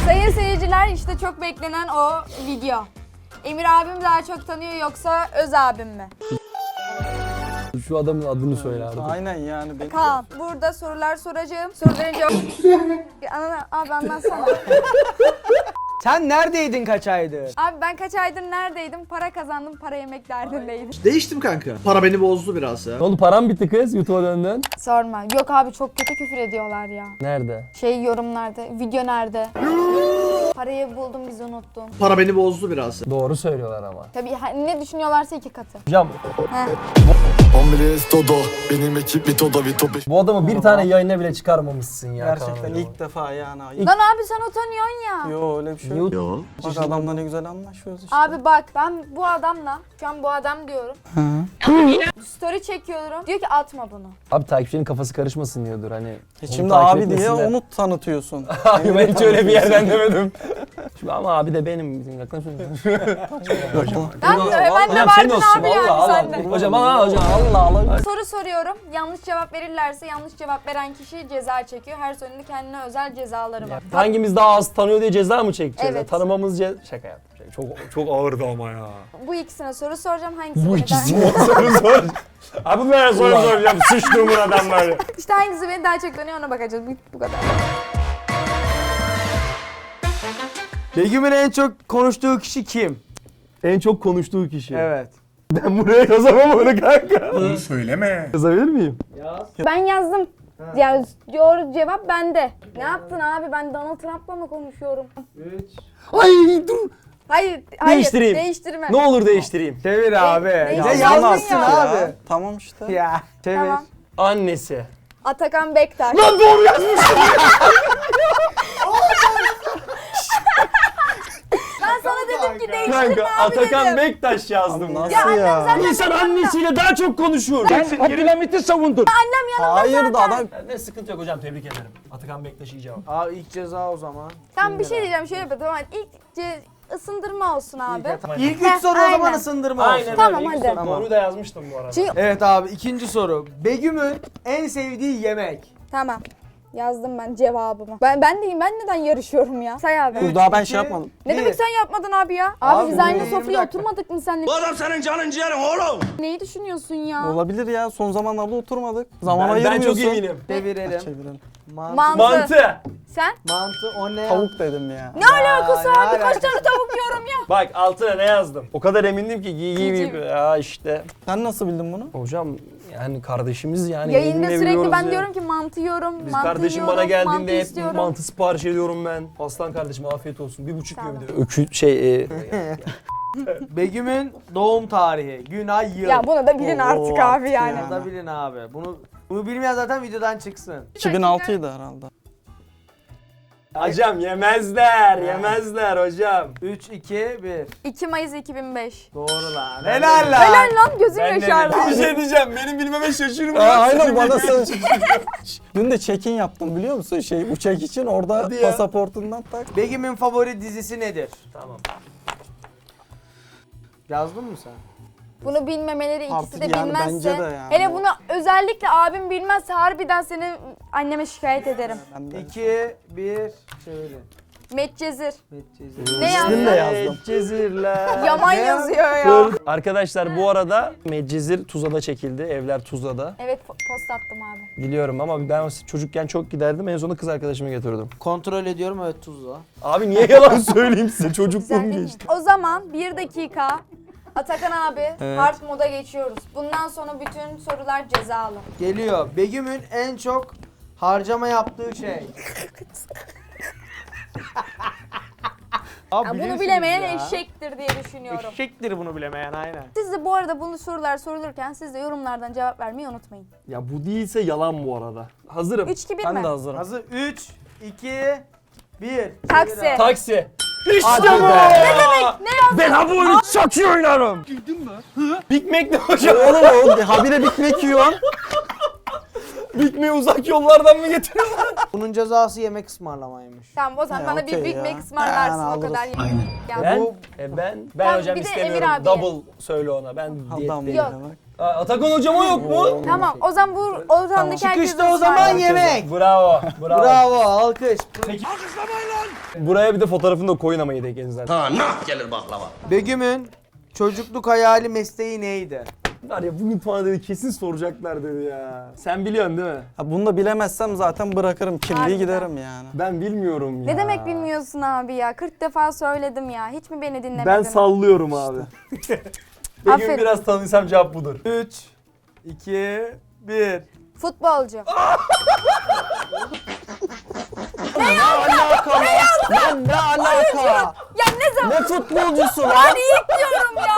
Sayın seyirciler, işte çok beklenen o video. Emir abim daha çok tanıyor yoksa Öz abim mi? Şu adamın adını söyle artık. Aynen yani. Kaan, burada sorular soracağım. Soruların cevabı... Abi anlatsana. Sen neredeydin kaç aydır? Abi ben kaç aydır neredeydim? Para kazandım, para yemek derdindeydim. Değiştim kanka. Para beni bozdu biraz ya. Ne oldu, param bitti kız YouTube'a döndün? Sorma. Yok abi, çok kötü küfür ediyorlar ya. Nerede? Yorumlarda, video nerede? Parayı buldum, bizi unuttun. Para beni bozdu biraz. Doğru söylüyorlar ama. Tabii ne düşünüyorlarsa 2 katı. Hocam Heh. Omres todo, benim ekip Vito'da Vito 5. bu adamı bir tane yayına bile çıkarmamışsın ya. Gerçekten Kaan ilk defa yani. Lan abi sen utanıyorsun ya. Yo öyle bir şey yok. Yo. Bak adamla ne güzel anlaşıyoruz işte. Abi bak, ben bu adamla, şu an bu adam diyorum. Story çekiyorum. Diyor ki atma bunu. Abi takipçinin kafası karışmasın diyordur hani. Şimdi onu takip abi diye etmesinler. onu tanıtıyorsun. Hayır, ben hiç öyle bir yerden demedim. Şimdi ama abi de benim. Yaklaşın. Ben de Hocam senin vardın olsun. abi yani Allah sende. Allah. Hocam hocam Allah. Soru soruyorum. Yanlış cevap verirlerse yanlış cevap veren kişi ceza çekiyor. Her sorunun kendine özel cezaları var. Hangimiz daha az tanıyor diye ceza mı çekeceğiz? Evet. Tanımamız şaka yaptım. Çok ağırdı ama ya. Bu ikisine soru soracağım. Hangisi Bu beni ikisine soru sor. Abi ben soru soracağım. Sıçtığımın adamları. İşte hangisi beni daha çok tanıyor, ona bakacağız. Bu kadar. Begüm'ün en çok konuştuğu kişi kim? En çok konuştuğu kişi. Evet. Ben buraya yazamam onu kanka. Bunu söyleme. Yazabilir miyim? Ben yazdım. Ya doğru cevap bende. Ne yaptın abi? Ben Donald Trump'la mı konuşuyorum? Ay dur. Hayır, Değiştireyim. Değiştirme. Ne olur değiştireyim. Çevir abi. ne Ya yazdın yazmışsın ya? abi. Tamam işte. Ya çevir. Tamam. Annesi. Atakan Bektaş. Lan doğru yazmışsın. Ben sana dedim ki değiştirme Kanka abi Atakan dedim. Bektaş yazdım. Nasıl ya? İnsan annesiyle daha çok konuşuyor. Abdülhamit'i savundun. Annem yanımda Hayır da zaten. adam Ne sıkıntı yok hocam, tebrik ederim. Atakan Bektaş iyi cevap. Abi ilk ceza o zaman. Tam bir şey diyeceğim, şöyle yapalım. Tamam, ısındırma olsun abi. İlk Heh, 3 soru o zaman aynen. ısındırma olsun. Aynen Tamam, öyle. İlk hadi. soru Doğruyu da yazmıştım bu arada. Çünkü... Evet abi ikinci soru. Begüm'ün en sevdiği yemek. Tamam. Yazdım ben cevabımı. Ben deyim, ben neden yarışıyorum ya? Say abi. dur daha ben şey iki, yapmadım. Ne bir. demek sen yapmadın abi ya? Abi, Abi biz aynı 20 sofraya dakika. oturmadık mı seninle? Bu adam senin canın ciğerin oğlum. Neyi düşünüyorsun ya? Olabilir ya. Son zamanlarda oturmadık. Zaman Ben ayırmıyorsun. çok eminim. Çevirelim. Çevirelim. Mantı. Mantı. Sen? Mantı o ne? Tavuk dedim ya. Ne alakası ne abi? Kaç alakası? tane tavuk yiyorum ya? Bak altına ne yazdım? O kadar emindim ki Civciv. ya işte. Sen nasıl bildin bunu? Hocam yani kardeşimiz yani. Yayında eminle sürekli biliyoruz ben ya. diyorum ki mantı yiyorum, Biz mantı kardeşim yiyorum, bana mantı geldiğinde hep istiyorum. mantı sipariş ediyorum ben. Aslan kardeşim afiyet olsun. 1,5 Tamam. yiyor bir de. Begüm'ün doğum tarihi, gün, ay, yıl. Ya bunu da bilin Oo, artık abi artık yani. ya. Bunu da bilin abi. Bunu bilmeyen zaten videodan çıksın. 2006'ydı herhalde. Hocam yemezler hocam. 3, 2, 1. 2 Mayıs 2005. Doğru lan. Helal lan. Helal lan, gözüm yaşardı. Bir şey diyeceğim, benim bilmeme şaşırma. Aynen bana sen. Dün de check-in yaptım biliyor musun? Uçak için orada Hadi ya. pasaportundan tak. Begüm'ün favori dizisi nedir? Tamam. Yazdın mı sen? Bunu bilmemeleri, ikisi Artık de yani bilmezse. bence de yani. Hele bunu özellikle abim bilmezse harbiden seni anneme şikayet ederim. Ben de. 2, 1, çevirin. Medcezir. Medcezir. Ne İsmini de yazdın? yazdım. Medcezirler. Yaman Ne yazıyor ya. Arkadaşlar bu arada Medcezir Tuzla'da çekildi. Evler Tuzla'da. Evet, post attım abi. Biliyorum ama ben çocukken çok giderdim. En sonunda kız arkadaşımı getirdim. Kontrol ediyorum, evet tuzla. Abi niye yalan söyleyeyim size? Çocukluğum Güzel değil mi? geçti. O zaman 1 dakika Atakan abi Evet. hard moda geçiyoruz. Bundan sonra bütün sorular cezalı. Geliyor. Begüm'ün en çok harcama yaptığı şey. Abi Ya bunu bilirsiniz bilemeyen ya. eşektir diye düşünüyorum. Eşektir bunu bilemeyen aynen. Siz de bu arada bunu sorular sorulurken siz de yorumlardan cevap vermeyi unutmayın. Ya bu değilse yalan bu arada. Hazırım. 3 2 1 Ben mi? de hazırım. Hazır 3, 2, 1. Taksi. Taksi. İşte Hadi bu. be. Ne demek? Ne yazdın? Ben bu oyunu çok iyi oynarım. Girdin mi? Big Mac ne hocam? Oğlum o habire Big Mac yiyorsun. Big Mac'i uzak yollardan mı getiriyorsun? Bunun cezası yemek ısmarlamaymış. Tamam, o zaman Ya, bana bir okey Big ya. Mac ısmarlarsın, Yani o kadar. alırız. Ya Ben, bu ben Tamam, hocam bir de istemiyorum. Emir abiye. Double söyle ona. Ben Adam diyetteyim. Yok. bile bak. Atakan hocama yok mu? Tamam o zaman bu ortamdaki herkes Çıkışta o zaman yemek. Bravo. Bravo alkış. Buraya bir de fotoğrafını da koyun ama yedekin zaten. Begüm'ün çocukluk hayali mesleği neydi? Var ya bugün puanı dedi kesin soracaklar dedi ya. Sen biliyorsun değil mi? Ha, bunu da bilemezsem zaten bırakırım kimliği Harbiden. giderim yani. Ben bilmiyorum ya. Ne demek bilmiyorsun abi ya? 40 defa söyledim ya. Hiç mi beni dinlemedin? Ben sallıyorum abi. Bir gün Aferin. biraz tanıysam cevap budur. 3, 2, 1. Futbolcu. Lan ne alaka? Ya ne zaman? Ne futbolcusu lan? Ben ilk diyorum ya.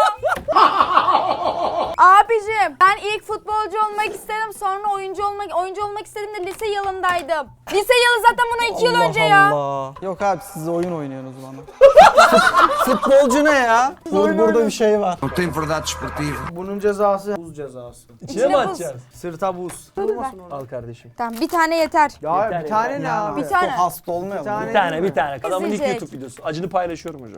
Abicim ben ilk futbolcu olmak istedim, sonra oyuncu olmak istedim de lise yılındaydım. Lise yılı zaten buna 2 yıl önce ya. Allah. Yok abi siz oyun oynuyorsunuz bana. Futbolcu ne ya? Burada bir şey var. Bunun cezası buz cezası. İçine mi buz. atacağız? Sırta buz. Al kardeşim. Tamam bir tane yeter. Ya Yeter bir tane ya. ne Yani abi? Bir tane. Çok hasta olmayalım. Bir tane. Bir tane. Adamın ilk Üzülecek. YouTube videosu. Acını paylaşıyorum hocam.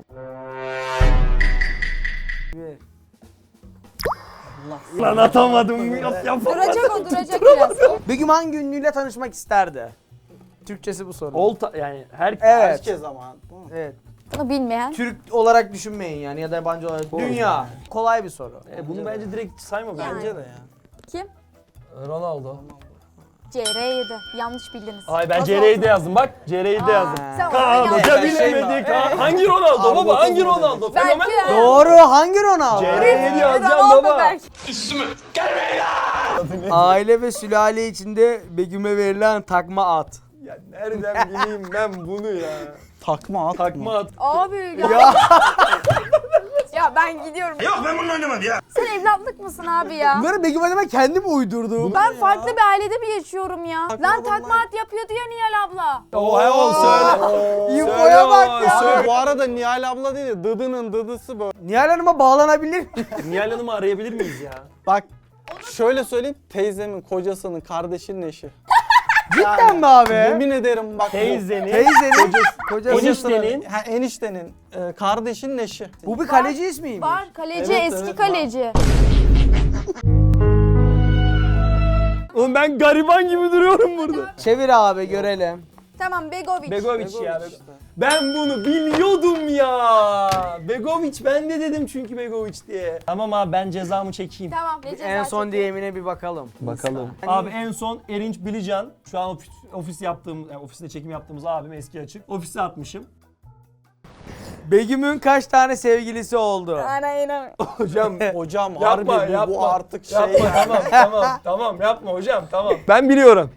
Lan atamadım. Yap. Duracak o duracak biraz. Begüm hangi ünlüyle tanışmak isterdi? Türkçesi bu soru. Yani her Evet. Herkes ama. Evet. Bunu bilmeyen. Türk olarak düşünmeyin yani ya da yabancı olarak. Dünya. Kolay bir soru. Bunu bence direkt sayma Bence de ya. Kim? Ronaldo. CR7. Yanlış bildiniz. Ay ben Nasıl CR'yi de oldu? yazdım bak. CR'yi de yazdım. Sen Kaan onu Hoca yanlış. bilemedik ha. Hangi Ronaldo baba? Hangi Ronaldo? Fenomen Belki- mi? Doğru. Hangi Ronaldo? CR'yi yazacağım Ronaldo baba. belki. Aile ve sülale içinde Begüm'e verilen takma at. Ya nereden bileyim ben bunu ya? Takma at Takma mı? at. Abi ya. Ya ben gidiyorum. Yok ben bununla oynamadım ya. Sen evlatlık mısın abi ya? Bunları Begüm acaba kendi mi uydurdu? Ben farklı bir ailede mi yaşıyorum ya? Lan takma at yapıyordu ya Nihal abla. Oha söyle. İnfoya bak ya. Abi bu arada Nihal abla değil de Dıdı'nın dıdısı böyle. Nihal Hanım'a bağlanabilir mi? Nihal Hanım'ı arayabilir miyiz ya? Bak şöyle söyleyeyim teyzemin kocasının kardeşinin eşi. Cidden mi abi? Yemin ederim bak. Teyzenin. Teyzenin kocası. Eniştenin. Eniştenin kardeşinin eşi. Bu bir kaleci ismiymiş. Var kaleci Evet, eski evet, kaleci. Oğlum ben gariban gibi duruyorum burada. Çevir abi görelim. Tamam Begovic. Begovic ya. Ben bunu biliyordum ya. Begovic ben de dedim çünkü Begovic diye. Tamam abi ben cezamı çekeyim. Tamam. ne ceza En son çekiyor? DM'ine bir bakalım. Bakalım. Abi en son Erinç Bilican. Şu an ofis yaptığım, yani ofiste çekim yaptığımız abim eski açık. Ofise atmışım. Begüm'ün kaç tane sevgilisi oldu? Aynen. Hocam Hocam yapma, harbi yapma. bu artık şey yapma, ya. tamam yapma hocam tamam. Ben biliyorum.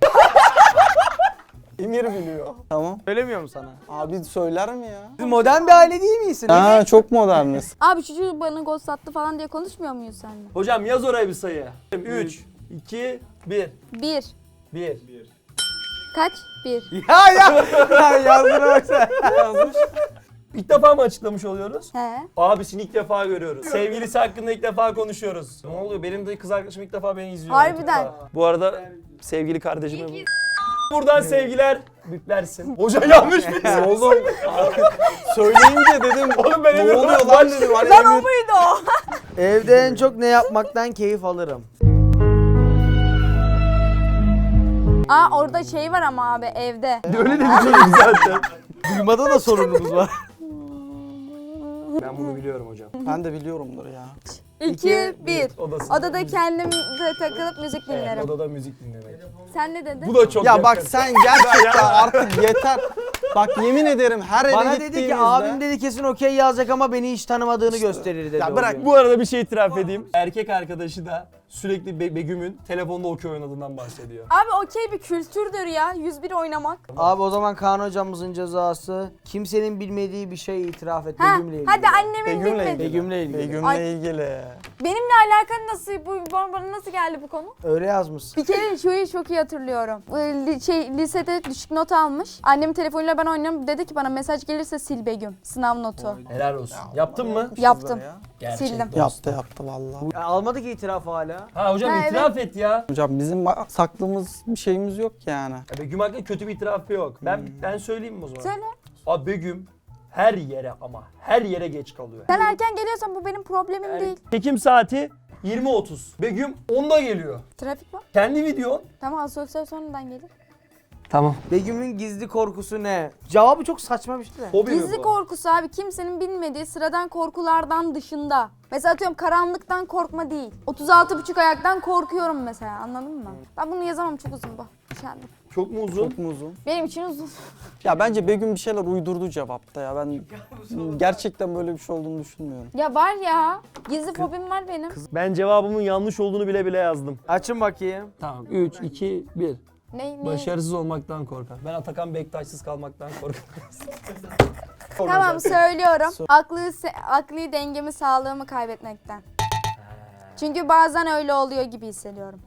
Emir biliyor. Tamam. Söylemiyor mu sana? Abi söyler mi ya? Siz modern bir aile değil misiniz? Ha çok moderniz. Abi şu çocuk bana gol sattı falan diye konuşmuyor muyuz seninle? Hocam yaz oraya bir sayı. 3, 2, 1. 1. 1. Kaç? 1. Ya yazdığına baksana. İlk defa mı açıklamış oluyoruz? He. Abisini ilk defa görüyoruz. Sevgilisi hakkında ilk defa konuşuyoruz. Ne oluyor? Benim de kız arkadaşım ilk defa beni izliyor. Harbiden. İlk defa. Bu arada sevgili kardeşime buradan sevgiler. Büklersin. Hoca yanlış mı? Oğlum söyleyince dedim Oğlum ben ne Emir'e oluyor lan dedim. Hani Lan o Emir... muydu o? Evde en çok ne yapmaktan keyif alırım? Aa orada şey var ama abi evde. Öyle de biliyorum zaten. Duymada da sorunumuz var. Ben bunu biliyorum hocam. Ben de biliyorumdur ya. 2, 1. Odasında. Odada kendim takılıp müzik dinlerim. Odada müzik dinlemek. Sen ne dedin? Bu da çok Ya bak yakın. sen gerçekten artık yeter. Bak yemin ederim her eve Bana gittiğimizde... dedi ki abim dedi kesin okey yazacak ama beni hiç tanımadığını gösterir dedi. Ya o bırak gün. Bu arada bir şey itiraf edeyim. Erkek arkadaşı da sürekli Begüm'ün telefonda okey oynadığından bahsediyor. Abi okey bir kültürdür ya. 101 oynamak. Abi o zaman Kaan hocamızın cezası kimsenin bilmediği bir şey itiraf et Ha, Begüm'le ilgili. hadi annemin Begüm'le bilmedi. ilgili. Begüm'le ilgili. Begüm'le Ay. ilgili. Benimle alakan nasıl, bana nasıl geldi bu konu? Öyle yazmışsın. Bir kere şuyu çok iyi hatırlıyorum. Lisede düşük not almış. Annemin telefonuyla ben oynuyorum. Dedi ki bana mesaj gelirse sil Begüm. Sınav notu. Helal olsun. Yaptın mı? Yaptım. Gerçek Sildim. Yaptı vallahi. Ya almadı ki itirafı hala. Ha hocam Ha, itiraf et ya. Hocam bizim saklımız bir şeyimiz yok yani. Ya Begüm hakkında kötü bir itirafı yok. Ben söyleyeyim mi o zaman? Söyle. Abi Begüm her yere ama her yere geç kalıyor. Sen erken geliyorsan bu benim problemim değil. Çekim saati 20.30. Begüm 10'da geliyor. Trafik var. Kendi videon. Tamam asosyal sonradan gelir. Tamam. Begüm'ün gizli korkusu ne? Cevabı çok saçma bir şey de. Hobi mi Gizli bu? korkusu abi kimsenin bilmediği sıradan korkulardan dışında. Mesela atıyorum karanlıktan korkma değil. 36,5 ayaktan korkuyorum mesela, anladın mı? Ben bunu yazamam, çok uzun bu. Üşendim. Çok mu uzun? Çok mu uzun? Benim için uzun. Ya bence Begüm bir şeyler uydurdu cevapta ya. Ben gerçekten böyle bir şey olduğunu düşünmüyorum. Ya var ya, gizli fobim var benim. Ben cevabımın yanlış olduğunu bile bile yazdım. Açın bakayım. Tamam 3, 2, 1. Ne? Başarısız olmaktan korkar. Ben Atakan Bektaşsız kalmaktan korkarım. Tamam söylüyorum. Akli dengemi, sağlığımı kaybetmekten. Çünkü bazen öyle oluyor gibi hissediyorum.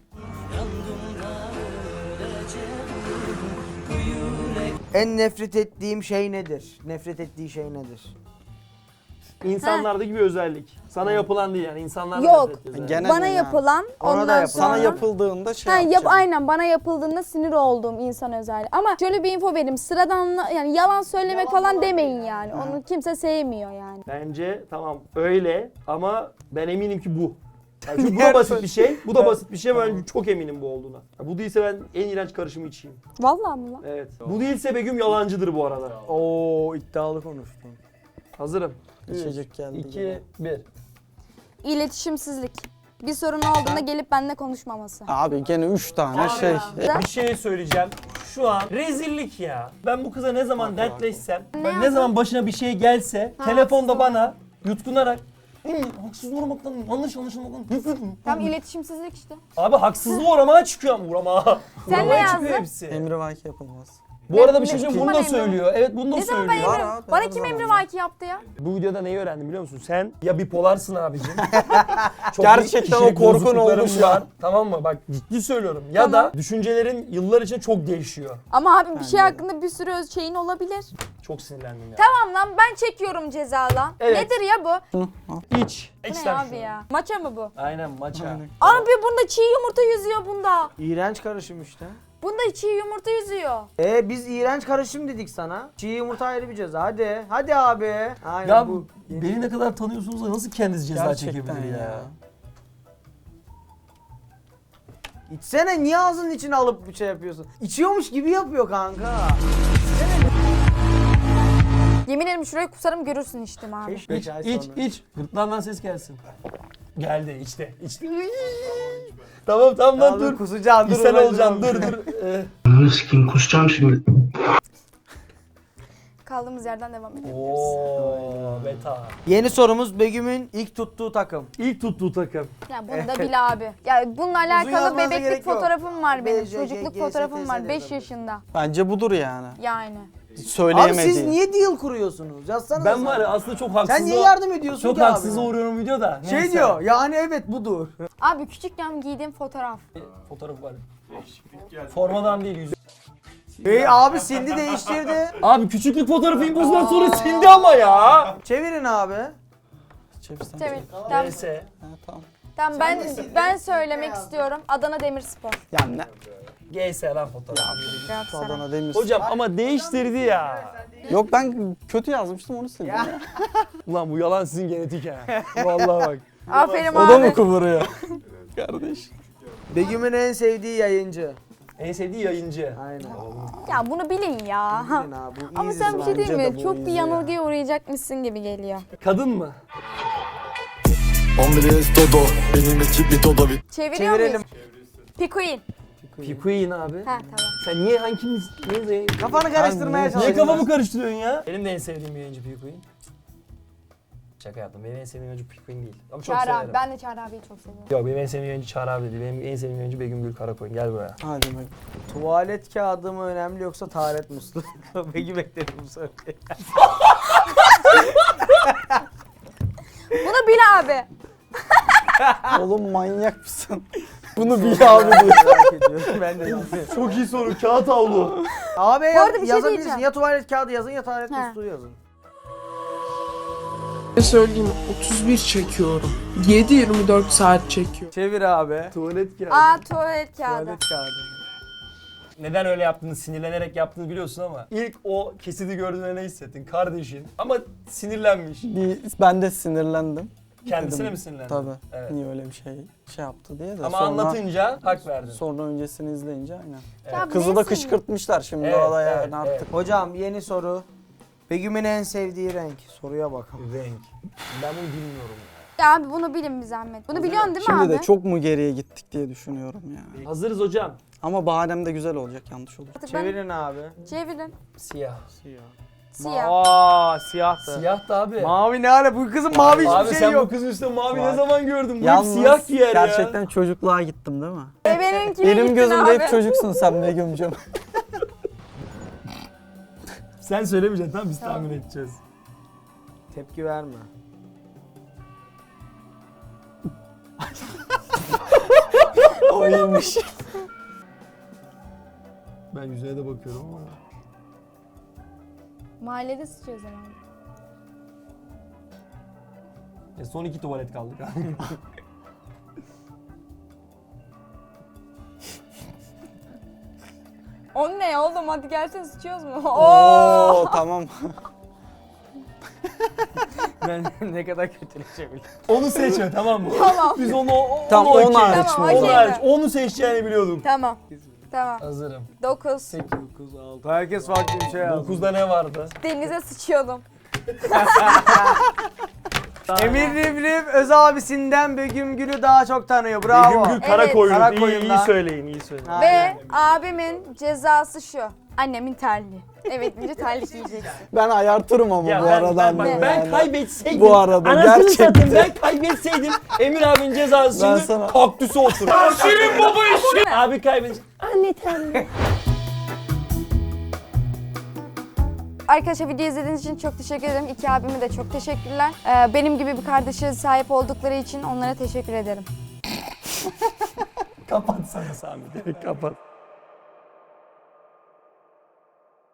En nefret ettiğim şey nedir? Nefret ettiği şey nedir? İnsanlardaki bir özellik. Sana yapılan değil yani insanlarda Yok. nefret ediyoruz yani. Genel Bana yani. yapılan, Ona da ondan yapılan. sonra... Sana yapıldığında şey Ha, yapacaksın. aynen bana yapıldığında sinir olduğum insan özelliği. Ama şöyle bir info vereyim. Sıradan yani yalan söylemek falan demeyin yani. Onu kimse sevmiyor yani. Bence tamam öyle ama ben eminim ki bu. Yani çünkü bu da basit bir şey. Bu da basit bir şey. Ben çok eminim bu olduğuna. Ya bu değilse ben en iğrenç karışımı içeyim. Vallahi mi lan? Evet. Bu değilse Begüm yalancıdır bu arada. Oo, iddialı konuştun. Hazırım. İçecek geldi. 2, 1. İletişimsizlik. Bir sorun olduğunda gelip benimle konuşmaması. Abi gene 3 tane şey. Bir şey söyleyeceğim. Şu an rezillik ya. Ben bu kıza ne zaman dertleşsem, ne yaptın? zaman başına bir şey gelse, telefonda bana yutkunarak haksız vurmaktan, yanlış anlaşılmaktan. Tam iletişimsizlik işte. Abi haksızlığı uğramaya çıkıyor ama uğramaya. Sen ne Uğramaya çıkıyor yazdın? hepsi. Emri vaki yapılmaz. Bu arada bir şey Ne- söyleyeyim, bunu bana da emri- söylüyor. Evet bunu da Ne zaman söylüyor. ben Var emri? abi, Bana her kim zaman emri var. vaki yaptı ya? Bu videoda neyi öğrendim biliyor musun? Sen ya bipolarsın abicim. Çok Gerçekten büyük o korkun bozuklukların oldu şu an. var. Tamam mı? Bak ciddi söylüyorum. Ya Tamam. da düşüncelerin yıllar içinde çok değişiyor. Ama abi bir şey hakkında bir sürü şeyin olabilir. Çok sinirlendim ya. Tamam lan ben çekiyorum ceza lan. Evet. Nedir ya bu? İç. Bu ne İçten abi şu. ya? Maça mı bu? Aynen maça. Abi bunda çiğ yumurta yüzüyor bunda. İğrenç karışım işte. Bunda çiğ yumurta yüzüyor. Biz iğrenç karışım dedik sana. Çiğ yumurta ayrı bir ceza. Hadi. Hadi abi. Aynen Ya bu. beni ne kadar tanıyorsunuz da nasıl kendiniz ceza Gerçekten çekebilir ya? ya. İçsene, niye ağzının içine alıp bir şey yapıyorsun? İçiyormuş gibi yapıyor kanka. Yemin ederim şuraya kusarım görürsün içtim abi. Keşke İç, ay iç, sonra. iç. Gırtlağından ses gelsin. Geldi, içti, içti. Tamam, tamam lan Ya dur. Kusacaksın, dur. İshal ulan, olacaksın, dur. dur. Sikeyim kusacağım şimdi. Kaldığımız yerden devam edelim. Ooo, beta. Yeni sorumuz Begüm'ün ilk tuttuğu takım. İlk tuttuğu takım. Ya bunu da bil abi. Ya bununla alakalı yazmanıza bebeklik gerek yok. fotoğrafım var benim. BCG, Çocukluk GSTS fotoğrafım var 5 yazabilir. yaşında. Bence budur yani. Yani. Abi Söyleyemediği. siz niye deal kuruyorsunuz? Yazsana. Ben var ya aslında çok haksız. Sen niye yardım ediyorsun Çok ki abi? haksız uğruyorum videoda. Şey Neyse. diyor, yani evet budur. Abi küçükken giydiğim fotoğraf. Fotoğraf var. Formadan değil yüzü. Abi sildi, değiştirdi. Abi küçüklük fotoğrafı impozdan sonra sildi ama ya. Çevirin abi. Çevirsen. Çevir. Tamam, Neyse. Ha, tamam. tamam ben söylemek istiyorum. Adana Demirspor. Ya ne? GS lan fotoğraf. Galatasaray. Adana Demir. Hocam ama değiştirdi ya. Yok ben kötü yazmıştım onu sildim ya. Ulan bu yalan sizin genetik ha. Vallahi bak. Aferin O da mı abi. kıvırıyor? Kardeş. Begüm'ün en sevdiği yayıncı. En sevdiği yayıncı. Aynen. Ya bunu bilin ya. Bilin abi, bu Ama easy sen bir şey bence değil de mi? bu Çok bir easy yanılgıya uğrayacakmışsın gibi geliyor. Kadın mı? Andres Dodo benim ekip bir Todo bir Çeviriyor Çevirelim. muyuz? Pikuin. Pikuin abi. Ha tamam. Sen niye hangimiz? Niye, Kafanı karıştırmaya Niye niye çalışıyorsun. kafamı karıştırıyorsun ya? Benim de en sevdiğim yayıncı Pikuin. Şaka yaptım. Benim en sevdiğim yayıncı Pikuin değil. Ama çok Çağrı severim. abi. Ben de Çağrı abiyi çok seviyorum. Yok benim en sevdiğim yayıncı Çağrı abi değil. Benim en sevdiğim yayıncı Begüm Gül Karakoyun. Gel buraya. Hadi bak. Tuvalet kağıdı mı önemli yoksa taharet musluğu mu? Begüm bekledim bu soruyu. Bunu bil abi. Oğlum manyak mısın? Bunu bil abi diyor. Merak ediyorum, ben de bilmiyorum. Çok iyi soru. Kağıt havlu. Abi arada bir şey yazabilirsin. diyeceğim. Ya tuvalet kağıdı yazın ya taharet He. musluğu yazın. Ne söyleyeyim 31 çekiyorum. 7-24 saat çekiyor. Çevir abi. Tuvalet kağıdı. Aa tuvalet kağıdı. Tuvalet kağıdı. Neden öyle yaptığını, sinirlenerek yaptığını biliyorsun ama ilk o kesidi gördüğünde ne hissettin? Kardeşin ama sinirlenmiş. Ben de sinirlendim. Kendisine Dedim, mi sinirlendin? Tabii. Evet. Niye öyle bir şey yaptı diye de. Ama sonra, anlatınca hak verdin. Sonra öncesini izleyince aynen. Ya bu Kızı da neyse kışkırtmışlar şimdi Evet, o da yani evet, artık. evet. Hocam yeni soru. Begüm'ün en sevdiği renk. Soruya bakalım. Renk. Ben bunu bilmiyorum. Ya abi bunu bilin bir zahmet. Bunu biliyorsun değil mi Şimdi abi? de çok mu geriye gittik diye düşünüyorum ya. Hazırız hocam. Ama bahanem de güzel olacak, yanlış olur. Artık Çevirin abi. Çevirin. Siyah. Siyah. Aa siyahtı. Siyah da abi. Mavi ne hale? Bu kızın mavi Abi hiçbir sen şey bu yok. kızın üstüne mavi ne Bak. zaman gördün? Bu hep Yalnız siyah giyer ya. gerçekten çocukluğa gittim değil mi? Benimkine Elim gittin gözümde abi. hep çocuksun sen Begüm'cüm. Sen söylemeyeceksin tamam biz tahmin edeceğiz. Tepki verme. O iyiymiş. Ben yüzüne de bakıyorum ama. Mahallede sıçıyoruz herhalde. Son 2 tuvalet kaldı. O ne oğlum, hadi gelsene sıçıyoruz mu? Oo tamam. Ben ne kadar kötüleşebilirim. Onu seçme tamam mı? Tamam. Biz onu Tam onu 10 hariç Tamam, mi? okey. Onu hariç. Onu seçeceğini biliyordum. Tamam. Tamam. Hazırım. 9. 9, 6. Herkes farklı bir şey yazdı. 9'da ne vardı? Denize sıçıyordum. Emir Rivriv öz abisinden Begüm Gül'ü daha çok tanıyor. Bravo. Begüm Gül Karakoyun. Evet. İyi, Karakoyun'da. iyi söyleyin, iyi söyleyin. Ha. Ve Aynen. abimin cezası şu. Annemin terliği. Evet, deyince terlik giyeceksin. Ben ayartırım ama Ya bu ben, aradan. ben yani. kaybetseydim, Bu arada anasını gerçekten. satayım ben kaybetseydim Emir abinin cezası Ben şimdi sana- kaktüse oturur. Senin baba işi. Abi kaybedecek. Anne terliği. Arkadaşlar video izlediğiniz için çok teşekkür ederim. İki abime de çok teşekkürler. Benim gibi bir kardeşe sahip oldukları için onlara teşekkür ederim. Kapat sana Sami. Kapat.